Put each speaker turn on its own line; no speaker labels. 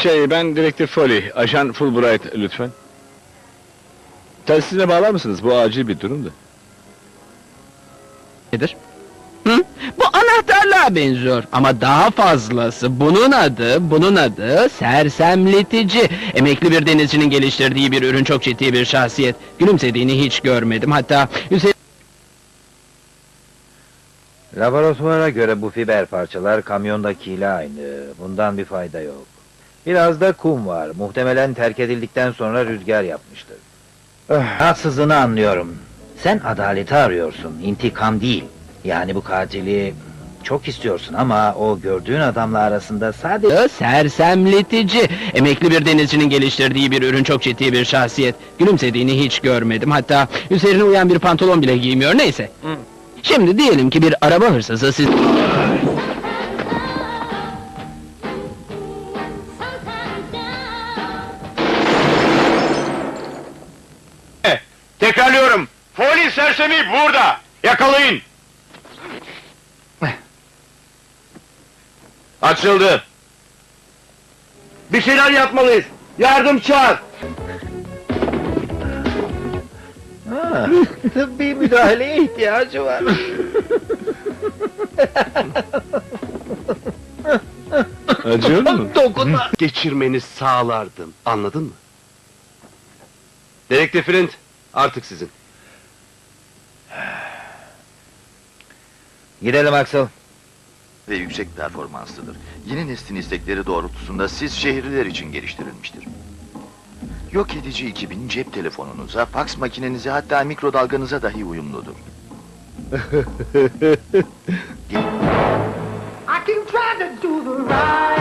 Ben Direktif Foley, Ajan Fulbright lütfen. Telsizine bağlar mısınız? Bu acil bir durumdu.
Nedir? Hı? Bu anahtarlığa benziyor ama daha fazlası. Bunun adı sersemletici. Emekli bir denizcinin geliştirdiği bir ürün, çok ciddi bir şahsiyet. Gülümsediğini hiç görmedim. Hatta
Laboratuvara göre bu fiber parçalar kamyondakiyle aynı. Bundan bir fayda yok. Biraz da kum var. Muhtemelen terk edildikten sonra rüzgar yapmıştır. Haksızlığını anlıyorum. Sen adaleti arıyorsun, intikam değil. Yani bu katili çok istiyorsun ama o gördüğün adamla arasında sadece...
sersemletici. Emekli bir denizcinin geliştirdiği bir ürün, çok ciddi bir şahsiyet. Gülümsediğini hiç görmedim. Hatta üzerine uyan bir pantolon bile giymiyor. Neyse. Şimdi diyelim ki bir araba hırsızı siz...
Tekrarlıyorum. Foley sersemi burada. Yakalayın. Açıldı. Bir şeyler yapmalıyız. Yardım çağır.
Tıbbi müdahaleye ihtiyacı var.
Acıyor mu?
Dokunma!
Geçirmeni sağlardım, anladın mı? Dedektif Flint, artık sizin.
Gidelim Axel.
Ve yüksek performanslıdır. Yeni neslin istekleri doğrultusunda siz şehirliler için geliştirilmiştir. Yok edici 2000 cep telefonunuza, faks makinenize, hatta mikrodalganıza dahi uyumludur.
I can try to do the right